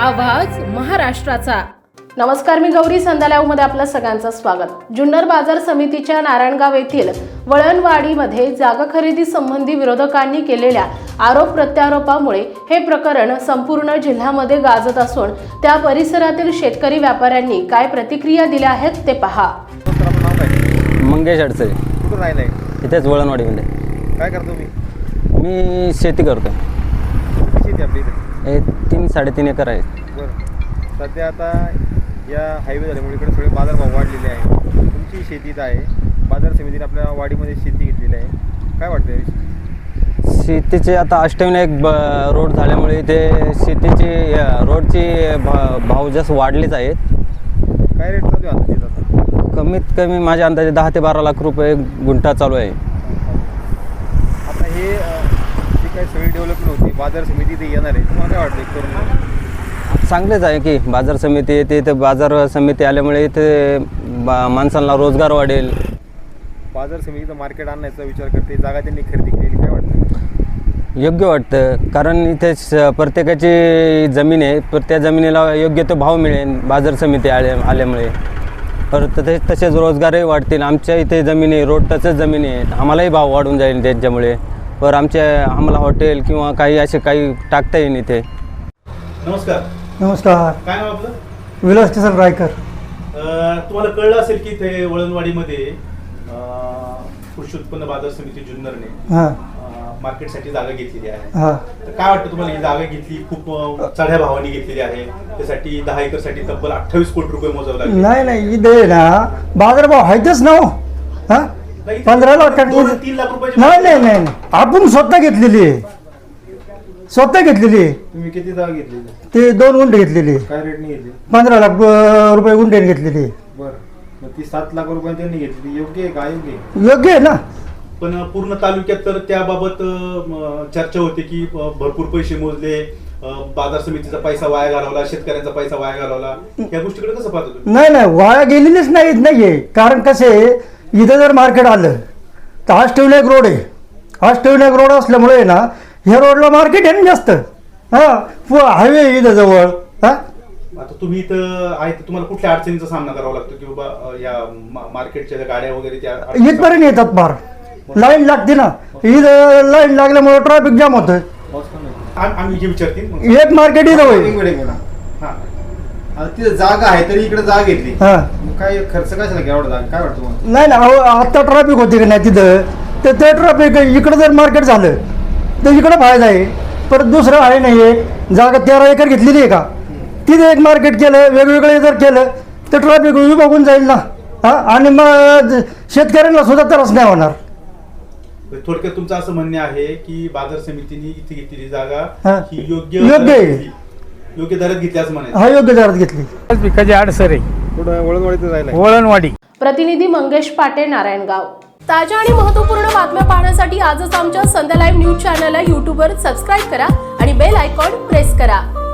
आवाज महाराष्ट्राचा। नमस्कार, मी गौरी संध्यालाईव्हमध्ये आपलं सगळ्यांचं स्वागत। जुन्नर बाजार समितीच्या नारायणगाव येथील वळणवाडीमध्ये जागा खरेदी संबंधी विरोधकांनी केलेल्या आरोप प्रत्यारोपामुळे हे प्रकरण संपूर्ण जिल्ह्यामध्ये गाजत असून त्या परिसरातील शेतकरी व्यापाऱ्यांनी काय प्रतिक्रिया दिल्या आहेत ते पहा। मंगेश अडसे, कुठं राहिलाय? इथेच वळणवाडीमध्ये। काय करतो मी शेती करतो। शेती आपली इथे हे 3-3.5 एकर आहे। बरं, सध्या आता या हायवे झाल्यामुळे इकडे सगळे बाजारभाव वाढलेले आहे। तुमची शेती इथं आहे, बाजार समितीने आपल्या वाडीमध्ये शेती घेतलेली आहे, काय वाटतं याविषयी? शेतीचे आता अष्टविनायक रोड झाल्यामुळे ते शेतीची रोडची भाव जास्त वाढलेच आहेत। काय रेट चालू आहे आता तिथं? आता कमीत कमी माझ्या अंदाजे 10 ते 12 लाख रुपये गुंठा चालू आहे। आता हे जी काही सगळी डेव्हलपमेंट होती, बाजार समिती इथे येणार आहे, तुम्हाला काय वाटतं करून? चांगलेच आहे की बाजार समिती येते, इथे बाजार समिती आल्यामुळे इथे माणसांना रोजगार वाढेल। बाजार समितीचं मार्केट आणण्याचा विचार करते, जागा त्यांनी खरेदी केलेली, काय वाटतं? योग्य वाटतं, कारण इथे प्रत्येकाची जमीन आहे, त्या जमिनीला योग्य तो भाव मिळेल बाजार समिती आल्यामुळे। परत तसेच रोजगारही वाढतील। आमच्या इथे जमिनी रोड टचच जमिनी आहेत, आम्हालाही भाव वाढून जाईल त्यांच्यामुळे। पर आम्हाला हॉटेल किंवा काही असे काही टाकता येईल इथे। नमस्कार। नमस्कार, काय नाव आपलं? विलास किसन रायकर। तुम्हाला कळलं असेल की ते वळणवाडीमध्ये कृषी उत्पन्न बाजार समिती जुन्नरने मार्केटसाठी जागा घेतलेली आहे। तर काय वाटतं तुम्हाला? ही जागा घेतली, खूप चढ्या भावाने घेतलेली आहे, त्यासाठी 10 एकरसाठी तब्बल 28 कोटी रुपये मोजावे लागले। नाही इथे ना बाजारभाव आहेतच ना। 15 लाख 3 लाख रुपये नाही आपण स्वतः घेतलेली आहे, तुम्ही किती जागा घेतली? ते 2 गुंठे घेतलेली आहे। काय रेटने घेतली? 15 लाख रुपये गुंठ्याने घेतलेली आहे। बरं, मग ती 7 लाख रुपये त्यांनी घेतली, योग्य आहे का अयोग्य आहे? योग्य आहे ना। पण पूर्ण तालुक्यात तर त्याबाबत चर्चा होते की भरपूर पैसे मोजले, बाजार समितीचा पैसा वाया घालवला, शेतकऱ्यांचा पैसा वाया घालवला। या गोष्टीकडे कसं पाहतो तुम्ही? नाही वाया गेलेलीच नाहीये। कारण कसे इथं जर मार्केट आलं तर अष्टविनायक रोड आहे, अष्टविनायक रोड असल्यामुळे ना ह्या रोडला मार्केट आहे ना जास्त। हायवे इथं जवळ। आता तुम्ही इथं आहे तर तुम्हाला कुठल्या अडचणीचा सामना करावा लागतो की बाबा या मार्केटच्या गाड्या वगैरे त्या इथपर्यंत येतात, फार लाईन लागते ना। इथं लाईन लागल्यामुळे ट्रॅफिक जाम होतं। आम्ही जे विचारतील एक मार्केट इथं होईल। तिथे जागा आहे तरी इकडे जागा घेतली, मग काय खर्च कशाला घ्यावा जागा? काय वाटतं तुम्हाला? नाही आता ट्रॅफिक होते की नाही तिथं, तर ते ट्रॅफिक इकडं जर मार्केट झालं तर इकडं फायदा आहे। परत दुसरं आहे नाही आहे, जागा 13 एकर घेतलेली आहे का, तिथे एक मार्केट केलं, वेगवेगळे जर केलं तर ट्रॅफिक विभागून जाईल ना। आणि मग शेतकऱ्यांना सुद्धा त्रास नाही होणार। थोडक्यात तुमचं असं म्हणणे आहे की बाजार समितीने इथे घेतलेली जागा ही योग्य दरात घेतली असं म्हणायचं? हा, योग्य दरात घेतली। पिकाची आडसर आहे, थोडं वळणवाडीत राहिलाय। वळणवाडी। प्रतिनिधी मंगेश पाटे, नारायणगाव। ताज्या आणि महत्त्वपूर्ण बातम्या पाहण्यासाठी आजच आमच्या संध्या लाईव्ह न्यूज चॅनलला YouTubeवर सबस्क्राईब करा आणि बेल आयकॉन प्रेस करा।